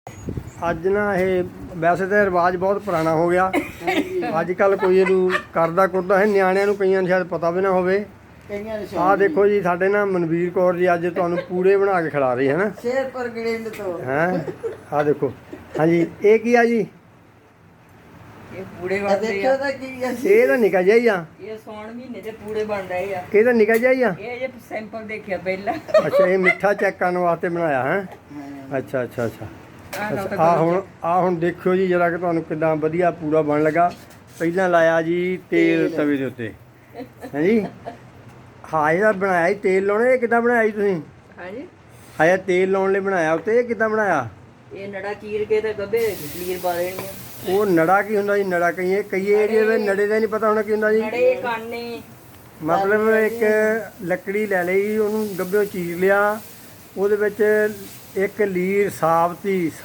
ਅੱਜ ਨਾ ਇਹ ਵੈਸੇ ਤਾਂ ਰਿਵਾਜ ਬਹੁਤ ਪੁਰਾਣਾ ਹੋ ਗਿਆ। ਅੱਜ ਕੱਲ ਕੋਈ ਇਹਨੂੰ ਕਰਦਾ ਕੁਰਦਾ ਹੈ, ਨਿਆਣਿਆਂ ਨੂੰ ਕਈਆਂ ਨੂੰ ਸ਼ਾਇਦ ਪਤਾ ਵੀ ਨਾ ਹੋਵੇ। ਆਹ ਦੇਖੋ ਜੀ, ਸਾਡੇ ਨਾ ਮਨਵੀਰ ਕੌਰ ਜੀ ਅੱਜ ਤੁਹਾਨੂੰ ਪੂੜੇ ਬਣਾ ਕੇ ਖਿਲਾ ਰਹੀ ਹੈ ਨਾ, ਸ਼ੇਰਪੁਰ ਗੜਿੰਡ ਤੋਂ ਹੈ। ਆਹ ਦੇਖੋ, ਹਾਂਜੀ ਇਹ ਕੀ ਆ ਜੀ? ਇਹ ਪੂੜੇ ਬਣਦੇ ਦੇਖੋ ਆ। ਤਾਂ ਕੀ ਆ ਇਹ ਤਾਂ ਨਿਕਾ ਜਿਹਾ ਹੀ ਆ। ਇਹ ਸੌਣ ਮਹੀਨੇ ਦੇ ਪੂੜੇ ਬਣ ਰਹੇ ਆ। ਇਹ ਤਾਂ ਨਿਕਾ ਜਿਹਾ ਹੀ ਆ। ਇਹ ਜੇ ਸੈਂਪਲ ਦੇਖਿਆ ਪਹਿਲਾਂ। ਅੱਛਾ, ਇਹ ਮਿੱਠਾ ਚੈੱਕ ਕਰਨ ਵਾਸਤੇ ਬਣਾਇਆ ਹੈ। ਅੱਛਾ ਅੱਛਾ ਅੱਛਾ। ਆਹ ਹੁਣ ਦੇਖਿਓ ਜੀ ਜਰਾ ਕਿ ਤੁਹਾਨੂੰ ਕਿੱਦਾਂ ਵਧੀਆ ਪੂੜਾ ਬਣ ਲੱਗਾ। ਪਹਿਲਾਂ ਲਾਇਆ ਜੀ ਤੇਲ ਤਵੇ ਦੇ ਉੱਤੇ, ਹੈ ਜੀ। ਹਾਂ, ਇਹਦਾ ਬਣਾਇਆ ਜੀ ਤੇਲ ਲਾਉਣੇ। ਇਹ ਕਿੱਦਾਂ ਬਣਾਇਆ ਜੀ ਤੁਸੀਂ? ਹਾਂਜੀ, ਆਇਆ ਤੇਲ ਲਾਉਣ ਲਈ ਬਣਾਇਆ ਉੱਤੇ। ਇਹ ਕਿੱਦਾਂ ਬਣਾਇਆ? ਇਹ ਨੜਾ ਚੀਰ ਕੇ ਤੇ ਗੱਬੇ ਲੀਰ ਪਾ ਦੇਣੀ ਆ। ਉਹ ਨੜਾ ਕੀ ਹੁੰਦਾ ਜੀ? ਨੜਾ ਕਈ ਏਰੀਏ ਵਿੱਚ ਨੜੇ ਦਾ ਨਹੀਂ ਪਤਾ ਹੋਣਾ ਕੀ ਹੁੰਦਾ ਜੀ। ਨੜੇ ਕਾਨੇ ਮਤਲਬ ਇੱਕ ਲੱਕੜੀ ਲੈ ਲਈ, ਉਹਨੂੰ ਗੱਭਿਓਂ ਚੀਰ ਲਿਆ, ਉਹਦੇ ਵਿੱਚ ਇੱਕ ਲੀਰ ਸਾਫ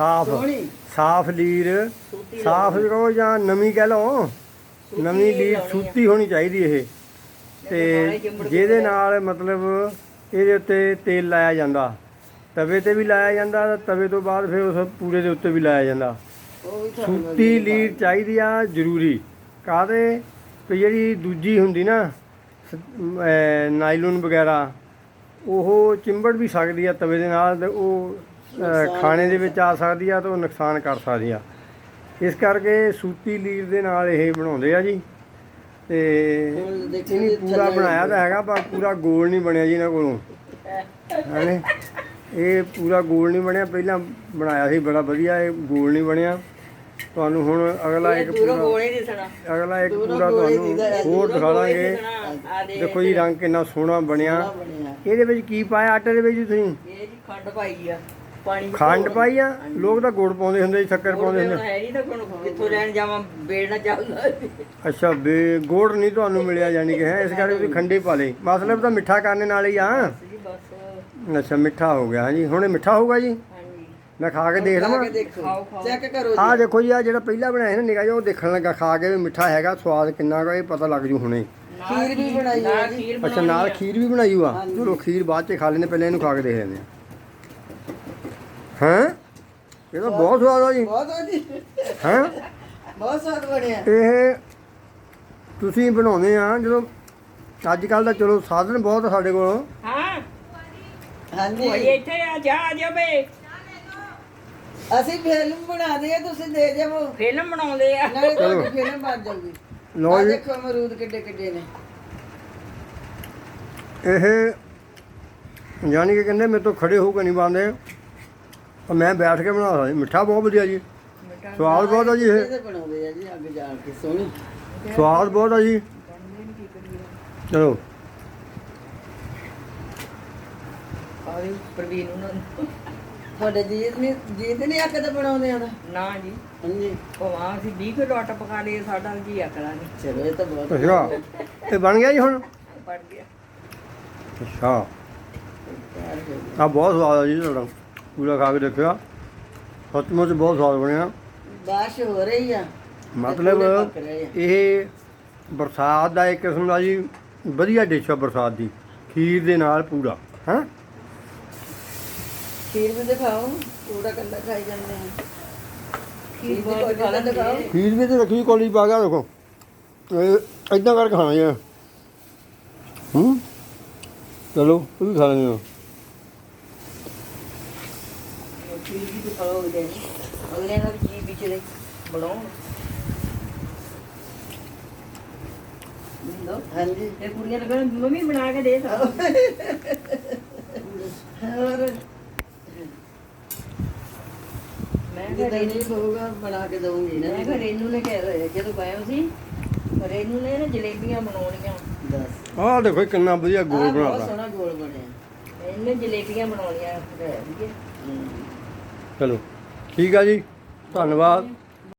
ਲੀਰ, ਸਾਫ ਕਹੋ ਜਾਂ ਨਵੀਂ ਕਹਿ ਲਓ, ਨਵੀਂ ਲੀਰ ਸੂਤੀ ਹੋਣੀ ਚਾਹੀਦੀ ਇਹ। ਤੇ ਜਿਹਦੇ ਨਾਲ ਮਤਲਬ ਇਹਦੇ ਉੱਤੇ ਤੇਲ ਲਾਇਆ ਜਾਂਦਾ, ਤਵੇ ਤੇ ਵੀ ਲਾਇਆ ਜਾਂਦਾ, ਤਵੇ ਤੋਂ ਬਾਅਦ ਫਿਰ ਉਸ ਪੂਰੇ ਦੇ ਉੱਤੇ ਵੀ ਲਾਇਆ ਜਾਂਦਾ। ਸੂਤੀ ਲੀਰ ਚਾਹੀਦੀ ਆ ਜ਼ਰੂਰੀ। ਕਾਹਦੇ ਕਿ ਜਿਹੜੀ ਦੂਜੀ ਹੁੰਦੀ ਨਾ ਨਾਈਲੋਨ ਵਗੈਰਾ, ਉਹ ਚਿੰਬੜ ਵੀ ਸਕਦੀ ਆ ਤਵੇ ਦੇ ਨਾਲ, ਤੇ ਉਹ ਖਾਣੇ ਦੇ ਵਿੱਚ ਆ ਸਕਦੀ ਆ, ਤੇ ਉਹ ਨੁਕਸਾਨ ਕਰ ਸਕਦੀ ਆ। ਇਸ ਕਰਕੇ ਸੂਤੀ ਲੀਰ ਦੇ ਨਾਲ ਇਹ ਬਣਾਉਂਦੇ ਆ ਜੀ। ਤੇ ਇਹਨੇ ਪੂਰਾ ਬਣਾਇਆ ਤਾਂ ਹੈਗਾ, ਪਰ ਪੂਰਾ ਗੋਲ ਨਹੀਂ ਬਣਿਆ ਜੀ ਇਹਨਾਂ ਕੋਲੋਂ, ਹੈ। ਇਹ ਪੂਰਾ ਗੋਲ ਨਹੀਂ ਬਣਿਆ। ਪਹਿਲਾਂ ਬਣਾਇਆ ਸੀ ਬੜਾ ਵਧੀਆ, ਇਹ ਗੋਲ ਨਹੀਂ ਬਣਿਆ। ਤੁਹਾਨੂੰ ਹੁਣ ਅਗਲਾ ਇੱਕ ਪੂਰਾ ਤੁਹਾਨੂੰ ਹੋਰ ਦਿਖਾ ਦਾਂਗੇ। ਦੇਖੋ ਜੀ ਰੰਗ ਕਿੰਨਾ ਸੋਹਣਾ ਬਣਿਆ। ਇਹਦੇ ਵਿੱਚ ਕੀ ਪਾਇਆ ਆਟੇ ਦੇ ਵਿੱਚ ਤੁਸੀਂ? ਇਹ ਜੀ ਖੰਡ ਪਾਈ ਆ, ਪਾਣੀ ਖੰਡ ਪਾਈ ਆ। ਲੋਕ ਤਾਂ ਗੁੜ ਪਾਉਂਦੇ ਹੁੰਦੇ ਜੀ, ਸ਼ੱਕਰ ਪਾਉਂਦੇ ਹੁੰਦੇ। ਹੈ ਨਹੀਂ ਤਾਂ ਕਿੱਥੋਂ ਲੈਣ ਜਾਵਾਂ, ਬੇੜਨਾ ਚੱਲਦਾ। ਅੱਛਾ, ਗੁੜ ਨਹੀਂ ਤੁਹਾਨੂੰ ਮਿਲਿਆ ਜਾਨੀ ਕਿ, ਹੈ। ਇਸ ਕਰਕੇ ਤੁਸੀਂ ਖੰਡੇ ਪਾ ਲਈ। ਮਤਲਬ ਤਾਂ ਮਿੱਠਾ ਕਰਨ ਨਾਲ ਹੀ ਆ। ਜੀ ਬਸ। ਅੱਛਾ, ਮਿੱਠਾ ਹੋ ਗਿਆ। ਹਾਂਜੀ, ਹੁਣ ਇਹ ਮਿੱਠਾ ਹੋਊਗਾ ਜੀ। ਮੈਂ ਖਾ ਕੇ ਦੇਖ ਲਵਾਂ? ਚੈੱਕ ਕਰੋ ਜੀ। ਆਹ ਦੇਖੋ ਜੀ, ਆ ਜਿਹੜਾ ਪਹਿਲਾਂ ਬਣਾਇਆ ਸੀ ਨਾ ਨਿੱਕਾ ਜਿਹਾ, ਉਹ ਦੇਖਣ ਲੱਗਾ, ਖਾ ਕੇ ਵੀ ਮਿੱਠਾ ਹੈਗਾ, ਸਵਾਦ ਕਿੰਨਾ ਕੁ ਇਹ ਪਤਾ ਲੱਗ ਜੂ ਹੁਣੇ। ਖੀਰ ਵੀ ਬਣਾਈ ਹੈ ਜੀ। ਅੱਛਾ, ਨਾਲ ਖੀਰ ਵੀ ਬਣਾਈ ਹੋਆ। ਚਲੋ ਖੀਰ ਬਾਅਦ 'ਚ ਖਾ ਲੈਂਦੇ, ਪਹਿਲਾਂ ਇਹਨੂੰ ਖਾ ਕੇ ਦੇਖ ਲੈਂਦੇ ਹਾਂ। ਇਹ ਤਾਂ ਬਹੁਤ ਸਵਾਦ ਆ ਜੀ। ਬਹੁਤ ਆ ਜੀ, ਹੈਂ, ਬਹੁਤ ਸਵਾਦ ਬਣਿਆ। ਇਹ ਤੁਸੀਂ ਬਣਾਉਂਦੇ ਆ ਜਦੋਂ ਅੱਜ ਕੱਲ੍ਹ ਦਾ, ਚਲੋ ਸਾਧਨ ਬਹੁਤ ਆ ਸਾਡੇ ਕੋਲ। ਹਾਂ ਹਾਂਜੀ, ਕੋਈ ਇੱਥੇ ਆ ਜਾ ਬੇ। ਅਸੀਂ ਫਿਲਮ ਬਣਾਦੇ ਆ, ਤੁਸੀਂ ਦੇ ਜਾਵੋ। ਫਿਲਮ ਬਣਾਉਂਦੇ ਆ। ਨਾਲੇ ਤੁਹਾਡੀ ਫਿਲਮ ਬਣ ਜਾਊਗੀ। ਲਓ ਆ ਜੀ, ਦੇਖੋ ਅਮਰੂਦ ਕਿੱਡੇ ਕਿੱਡੇ ਨੇ। ਇਹ ਯਾਨੀ ਕਿ ਕਹਿੰਦੇ ਮੇਰੇ ਤੋਂ ਖੜੇ ਹੋ ਕੇ ਨਹੀਂ ਬਣਦੇ, ਮੈਂ ਬੈਠ ਕੇ ਬਣਾ ਸਕਦਾ। ਮਿੱਠਾ ਬਹੁਤ ਵਧੀਆ ਜੀ, ਸਵਾਦ ਬਹੁਤ ਆ ਜੀ। ਇਹ ਤੇ ਬਣਾਉਂਦੇ ਆ ਜੀ ਅੱਗ ਜਾਲ ਕੇ ਸੋਹਣੀ, ਸਵਾਦ ਬਹੁਤ ਆ ਜੀ। ਚਲੋ ਆਵੇ ਪ੍ਰਵੀਨ ਨੂੰ ਤੁਹਾਡੇ ਜੀਤ ਨਹੀਂ ਅੱਗ ਤੇ ਬਣਾਉਂਦੇ ਆ ਨਾ ਜੀ। ਹਾਂਜੀ, ਉਹ ਆ ਅਸੀਂ 20 ਕਿਲੋ ਆਟਾ ਪਕਾ ਲਏ, ਸਾਡਾ ਜੀ ਅਕਲਾ ਨਹੀਂ। ਚਲੋ ਇਹ ਤਾਂ ਬਹੁਤ ਅੱਛਾ, ਇਹ ਬਣ ਗਿਆ ਜੀ ਹੁਣ? ਪੜ ਗਿਆ। ਅੱਛਾ, ਆ ਬਹੁਤ ਸਵਾਦ ਆ ਜੀ ਤੁਹਾਡਾ। ਪੂਰਾ ਖਾ ਕੇ ਦੇਖਿਆ, ਸੱਚਮੁੱਚ ਬਹੁਤ ਸਵਾਦ ਬਣਿਆ। ਬਾਰਿਸ਼ ਹੋ ਰਹੀ ਆ, ਮਤਲਬ ਇਹ ਬਰਸਾਤ ਦਾ ਇੱਕ ਕਿਸਮ ਦਾ ਜੀ ਵਧੀਆ ਡਿਸ਼ ਆ ਬਰਸਾਤ ਦੀ, ਖੀਰ ਦੇ ਨਾਲ ਪੂਰਾ। ਹੈਂ, ਖੀਰ ਵੀ ਦਿਖਾਓ, ਪੂਰਾ ਕੱਲਾ ਖਾਈ ਜਾਂਦੇ ਆ। ਖੀਰ ਬਹੁਤ ਖਾ ਦਿਖਾਓ। ਖੀਰ ਵੀ ਤੇ ਰੱਖੀ ਕੋਲੀ ਪਾ ਗਿਆ, ਦੇਖੋ ਇਹ ਏਦਾਂ ਕਰਕੇ ਖਾਣਾ ਜੀ। ਚਲੋ ਉਹ ਵੀ ਖਾ ਲੈਂਦੇ ਹਾਂ। ਖੀਰ ਵੀ ਦਿਖਾਓ ਉਹਦੇ ਅਗਲੇ ਨਾਲ ਜੀ ਵਿੱਚ ਦੇ ਬਣਾਓ। ਹਾਂਜੀ, ਇਹ ਕੁੜੀਆਂ ਲੱਗਣ ਮੰਮੀ ਬਣਾ ਕੇ ਦੇ ਤਾ। ਹੋਰ ਮੈਂ ਜਿੱਦਾਂ ਨਹੀਂ ਕਹੂਗਾ ਬਣਾ ਕੇ ਦਊਂਗੀ ਨਾ। ਮੈਂ ਕਿਹਾ ਰੇਨੂ ਨੇ ਕਿਹਾ ਜਦੋਂ ਗਏ ਸੀ, ਰੇਨੂ ਨੇ ਨਾ ਜਲੇਬੀਆਂ ਬਣਾਉਣੀਆਂ। ਦੱਸ, ਆਹ ਦੇਖੋ ਕਿੰਨਾ ਵਧੀਆ ਗੋਲ ਬਹੁਤ ਬਣਾਤਾ। ਸੋਹਣਾ ਗੋਲ ਬਣਿਆ। ਇਹਨੇ ਜਲੇਬੀਆਂ ਬਣਾਉਣੀਆਂ। ਚਲੋ ਠੀਕ ਆ ਜੀ, ਧੰਨਵਾਦ।